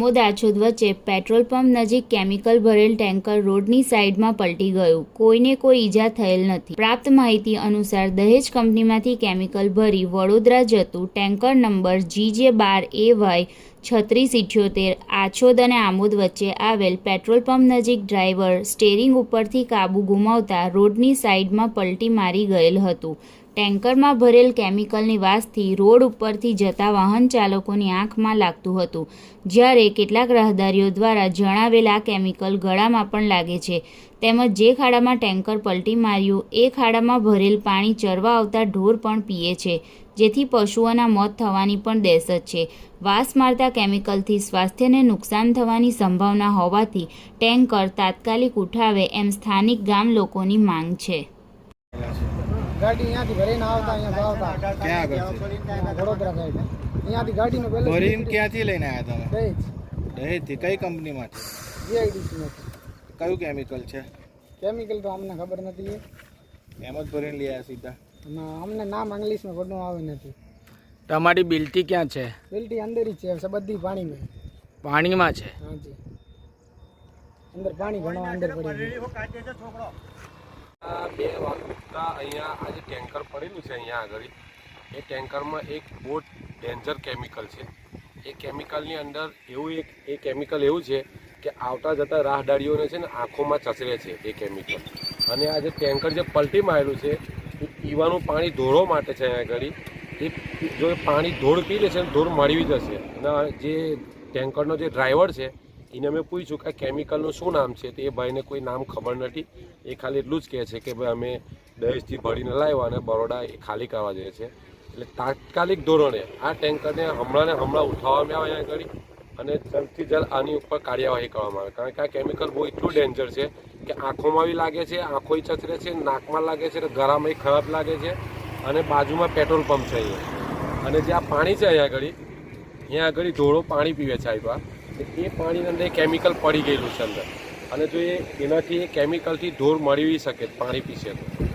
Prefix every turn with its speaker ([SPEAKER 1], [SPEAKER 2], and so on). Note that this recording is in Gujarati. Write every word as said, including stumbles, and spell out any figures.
[SPEAKER 1] આમોદ આછોદ વચ્ચે પેટ્રોલ પંપ નજીક કેમિકલ ભરેલ ટેન્કર રોડની સાઈડમાં પલટી ગયું। કોઈને કોઈ ઈજા થયેલ નથી। પ્રાપ્ત માહિતી અનુસાર દહેજ કંપનીમાંથી કેમિકલ ભરી વડોદરા જતું ટેન્કર નંબર જી જે બાર એ વાય છત્રીસ ઇઠ્યોતેર આછોદ અને આમોદ વચ્ચે આવેલ પેટ્રોલ પંપ નજીક ડ્રાઈવર સ્ટેરિંગ ઉપરથી કાબુ ગુમાવતા રોડની સાઈડમાં પલટી મારી ગયેલ હતું। ટેન્કરમાં ભરેલ કેમિકલની વાસથી રોડ ઉપરથી જતા વાહન ચાલકોની આંખમાં લાગતું હતું, જ્યારે કેટલાક રાહદારીઓ દ્વારા જણાવેલ આ કેમિકલ ગળામાં પણ લાગે છે, તેમજ જે ખાડામાં ટેન્કર પલટી માર્યું એ ખાડામાં ભરેલ પાણી ચરવા આવતા ઢોર પણ પીએ છે, જેથી પશુઓના મોત થવાની પણ દહેશત છે। વાસ મારતા કેમિકલથી સ્વાસ્થ્યને નુકસાન થવાની સંભાવના હોવાથી ટેન્કર તાત્કાલિક ઉઠાવે એમ સ્થાનિક ગામ લોકોની માંગ છે।
[SPEAKER 2] गाड़ी यहाँ थी भरे ना आवता यहाँ आवता
[SPEAKER 3] क्या આગળ છે
[SPEAKER 2] વડોદરા સાઈડ यहाँ थी गाड़ी નો બેલેન્સ
[SPEAKER 3] ભરીને ક્યાંથી લઈને આવ્યા તમે?
[SPEAKER 2] દહેજ
[SPEAKER 3] દહેજ થી કઈ કંપનીમાં છે?
[SPEAKER 2] જીઆઈડીસી માં
[SPEAKER 3] કયું કેમિકલ છે?
[SPEAKER 2] કેમિકલ તો અમને ખબર નથી
[SPEAKER 3] એમ જ ભરીને લઈ આવ્યા સીધા?
[SPEAKER 2] ના અમને નામ ઇંગ્લિશમાં પડનું આવે નથી।
[SPEAKER 4] તમારી બિલ્ટી ક્યાં છે?
[SPEAKER 2] બિલ્ટી અંદર જ છે બધી પાણીમાં
[SPEAKER 4] પાણીમાં છે?
[SPEAKER 2] હાજી અંદર પાણી ઘણો અંદર પડી
[SPEAKER 5] આ બે વાગતા અહીંયા આજે ટેન્કર પડેલું છે અહીંયા આગળ એ ટેન્કરમાં એક બહુ ડેન્જર કેમિકલ છે। એ કેમિકલની અંદર એવું એક એ કેમિકલ એવું છે કે આવતા જતા રાહદારીઓને છે ને આંખોમાં ચસરે છે એ કેમિકલ। અને આ જે ટેન્કર જે પલટી મારેલું છે એ પીવાનું પાણી ધોળો માટે છે અહીંયા આગળ। એ જો પાણી ધોળ પી લે છે ને ધોળ મળી જશે। અને જે ટેન્કરનો જે ડ્રાઈવર છે એને મેં પૂછ્યું કે આ કેમિકલનું શું નામ છે, તો એ ભાઈને કોઈ નામ ખબર નથી। એ ખાલી એટલું જ કહે છે કે ભાઈ અમે દહેજથી ભરીને લાવ્યા અને બરોડા એ ખાલી કરવા જઈએ છે। એટલે તાત્કાલિક ધોરણે આ ટેન્કરને હમણાં ને હમણાં ઉઠાવવામાં આવે અહીંયા આગળ અને જલ્દથી જલ્દ આની ઉપર કાર્યવાહી કરવામાં આવે, કારણ કે આ કેમિકલ બહુ એટલું ડેન્જર છે કે આંખોમાં બી લાગે છે, આંખોય ચચરે છે, નાકમાં લાગે છે, ગળામાં ખરાબ લાગે છે। અને બાજુમાં પેટ્રોલ પંપ છે અહીંયા, અને જે આ પાણી છે અહીંયા આગળ અહીંયા આગળ ધોળો પાણી પીવે છે આવ્યા એ પાણીની અંદર કેમિકલ પડી ગયેલું છે અંદર, અને જો એ એનાથી એ કેમિકલથી ધૂળ મળી શકે પાણી પીશે તો